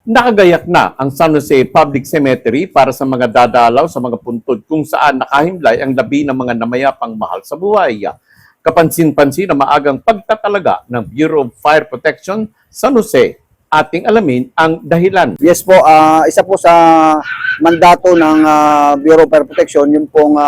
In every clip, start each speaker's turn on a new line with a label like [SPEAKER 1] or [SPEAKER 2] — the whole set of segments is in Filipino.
[SPEAKER 1] Nakagayak na ang San Jose Public Cemetery para sa mga dadalaw sa mga puntod kung saan nakahimlay ang labi ng mga namayapang mahal sa buhay. Kapansin-pansin na maagang pagtatalaga ng Bureau of Fire Protection San Jose. Ating alamin ang dahilan.
[SPEAKER 2] Yes po, isa po sa mandato ng Bureau of Fire Protection, yung pong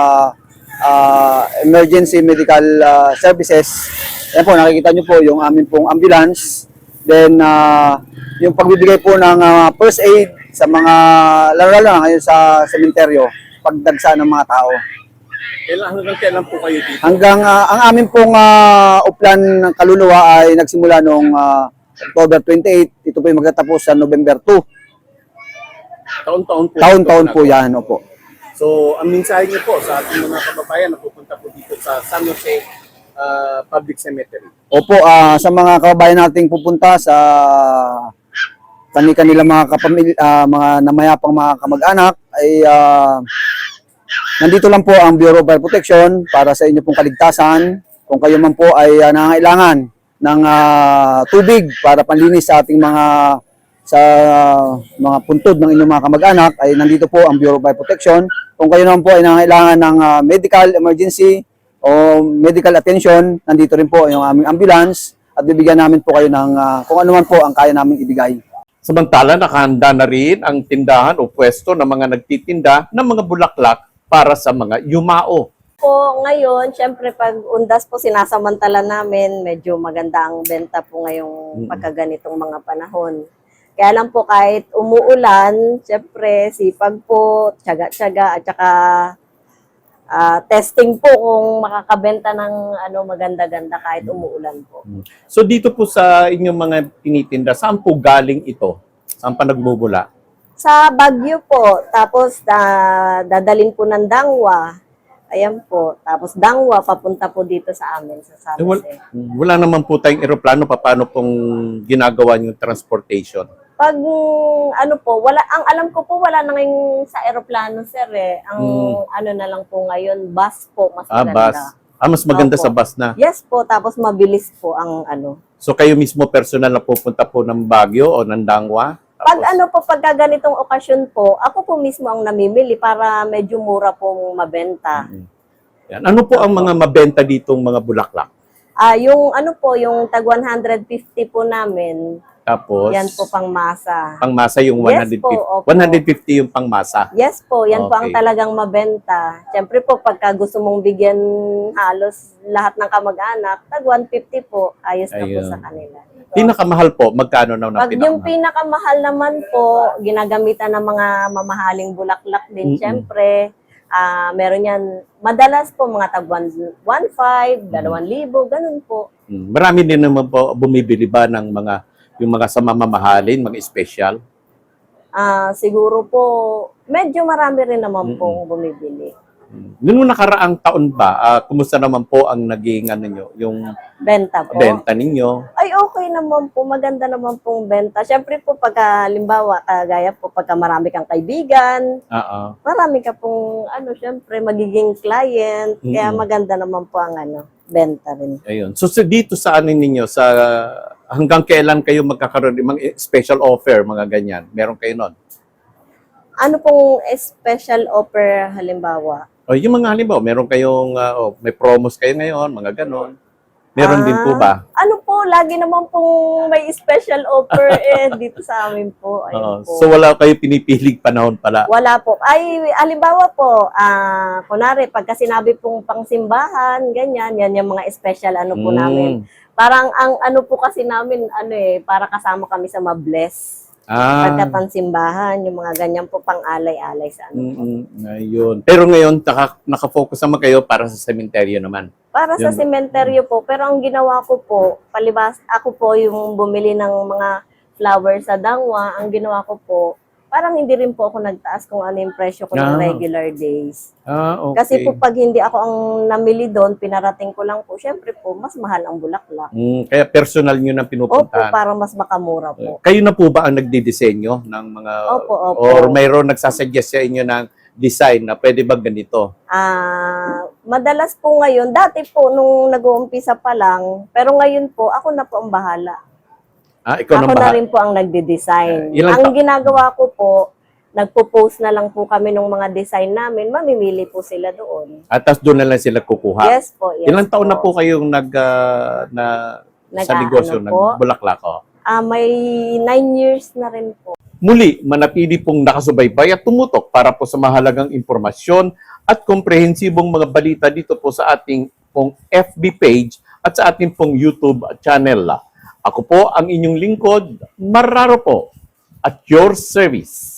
[SPEAKER 2] emergency medical services. Yan po, nakikita nyo po yung amin pong ambulance. Then, yung pagbibigay po ng first aid sa mga, lalo na ngayon sa sementeryo, pagdagsa ng mga tao.
[SPEAKER 1] Hanggang kailan po kayo dito?
[SPEAKER 2] Hanggang, ang amin pong uplan ng kaluluwa ay nagsimula noong October 28. Ito po yung magtatapos sa November 2.
[SPEAKER 1] Taon-taon po.
[SPEAKER 2] Taon-taon po yan, opo.
[SPEAKER 1] So, ang mensahe niyo po sa ating mga kababayan na pupunta po dito sa San Jose Public Cemetery.
[SPEAKER 2] Opo, sa mga kababayan nating pupunta sa kani-kanila mga mga namayapang mga kamag-anak ay nandito lang po ang Bureau of Fire Protection para sa inyo pong kaligtasan. Kung kayo man po ay nangangailangan ng tubig para panlinis sa ating mga puntod ng inyong mga kamag-anak, ay nandito po ang Bureau of Fire Protection. Kung kayo naman po ay nangangailangan ng medical emergency o medical attention, nandito rin po yung aming ambulance at bibigyan namin po kayo ng kung ano man po ang kaya namin ibigay.
[SPEAKER 1] Samantala, nakahanda na rin ang tindahan o pwesto ng mga nagtitinda ng mga bulaklak para sa mga yumao.
[SPEAKER 3] Po ngayon, syempre pag undas po sinasamantala namin, medyo maganda ang benta po ngayong pagkaganitong mga panahon. Kaya lang po kahit umuulan, syempre sipag po, tiyaga-tiyaga at saka testing po kung makakabenta ng maganda-ganda kahit umuulan po.
[SPEAKER 1] So dito po sa inyong mga tinitinda, saan po galing ito? Saan pa nagmumula?
[SPEAKER 3] Sa Baguio po, tapos dadalin po ng Dangwa. Ayan po. Tapos Dangwa, papunta po dito sa amin, sa San Jose.
[SPEAKER 1] Wala naman po tayong eroplano, paano pong ginagawa yung transportation?
[SPEAKER 3] Pag wala, ang alam ko po wala na ngayon sa eroplano, sir eh. Ang na lang po ngayon, bus po, mas maganda.
[SPEAKER 1] Bus. Mas maganda
[SPEAKER 3] Opo.
[SPEAKER 1] sa bus na.
[SPEAKER 3] Yes po, tapos mabilis po ang
[SPEAKER 1] So kayo mismo personal na pupunta po ng Baguio o ng Dangwa? Tapos,
[SPEAKER 3] pagka ganitong okasyon po, ako po mismo ang namimili para medyo mura pong mabenta.
[SPEAKER 1] Yan. Ano po ang mga mabenta ditong mga bulaklak?
[SPEAKER 3] Yung tag 150 po namin,
[SPEAKER 1] Tapos,
[SPEAKER 3] yan po pangmasa.
[SPEAKER 1] pangmasa yung
[SPEAKER 3] Yes
[SPEAKER 1] 150.
[SPEAKER 3] po, opo.
[SPEAKER 1] 150 yung pangmasa.
[SPEAKER 3] Yes po, yan po ang
[SPEAKER 1] Okay.
[SPEAKER 3] talagang mabenta. Siyempre po, pagka gusto mong bigyan halos lahat ng kamag-anak, tag 150 po, ayos na po
[SPEAKER 1] Ayun.
[SPEAKER 3] sa kanila.
[SPEAKER 1] Pinakamahal po, magkano na
[SPEAKER 3] Pag yung
[SPEAKER 1] pinakamahal?
[SPEAKER 3] pinakamahal naman po, ginagamitan ng mga mamahaling bulaklak din, siyempre. Meron yan, madalas po mga tag 1,500, 2,000, ganun po.
[SPEAKER 1] Marami din naman po bumibili ba ng yung mga sa mamahalin, mga special?
[SPEAKER 3] Siguro po, medyo marami rin naman pong bumibili.
[SPEAKER 1] Noong nakaraang taon ba, kumusta naman po ang naging yung
[SPEAKER 3] Benta po.
[SPEAKER 1] benta ninyo?
[SPEAKER 3] Ay, okay naman po. Maganda naman pong benta. Siyempre po, pagka, limbawa, kagaya po, pagka marami kang kaibigan,
[SPEAKER 1] Oo.
[SPEAKER 3] marami ka pong, siyempre, magiging client. Kaya maganda naman po ang, benta rin.
[SPEAKER 1] Ayun. So dito sa ninyo, hanggang kailan kayo magkakaroon ng mga special offer, mga ganyan? Meron kayo nun?
[SPEAKER 3] Ano pong special offer, halimbawa?
[SPEAKER 1] O yung mga halimbawa, meron kayong, may promos kayo ngayon, mga ganon. Meron din po ba?
[SPEAKER 3] Lagi naman pong may special offer dito sa amin po. Ayun po.
[SPEAKER 1] So wala kayo pinipilig panahon pala?
[SPEAKER 3] Wala po. Ay, halimbawa po, kunwari, pagka sinabi pong pangsimbahan, ganyan, yan yung mga special po namin. Parang ang po kasi namin, para kasama kami sa mabless. Pagka pansimbahan, yung mga ganyan po pang-alay-alay sa
[SPEAKER 1] Ayun. Pero ngayon, nakafocus naman kayo para sa sementeryo naman.
[SPEAKER 3] Para sa sementeryo po. Pero ang ginawa ko po, palibas, ako po yung bumili ng mga flowers sa Dangwa. Ang ginawa ko po, parang hindi rin po ako nagtaas kung ano yung presyo ko ng regular days.
[SPEAKER 1] Okay.
[SPEAKER 3] Kasi po pag hindi ako ang namili doon, pinarating ko lang po, syempre po, mas mahal ang bulaklak.
[SPEAKER 1] Kaya personal nyo na
[SPEAKER 3] Opo,
[SPEAKER 1] pinupuntahan.
[SPEAKER 3] para mas makamura po.
[SPEAKER 1] Kayo na po ba ang nagdidisenyo ng mga...
[SPEAKER 3] Opo, opo.
[SPEAKER 1] Or mayroon nagsasuggest sa inyo ng design na pwede ba ganito?
[SPEAKER 3] Madalas po ngayon, dati po nung nag-uumpisa pa lang, pero ngayon po, ako na po ang bahala.
[SPEAKER 1] Ikaw
[SPEAKER 3] Ako na rin po ang nagde-design. Ang ginagawa ko po, nagpo-post na lang po kami ng mga design namin, mamimili po sila doon.
[SPEAKER 1] At tapos doon na lang sila kukuha.
[SPEAKER 3] Yes po, yes.
[SPEAKER 1] Ilang taon
[SPEAKER 3] po.
[SPEAKER 1] na po kayong sa negosyo,
[SPEAKER 3] po?
[SPEAKER 1] nagbulaklak?
[SPEAKER 3] May 9 years na rin po.
[SPEAKER 1] Muli, manatili pong nakasubaybay at tumutok para po sa mahalagang impormasyon at komprehensibong mga balita dito po sa ating pong FB page at sa ating pong YouTube channel. Ako po ang inyong lingkod, Marraro po, at your service.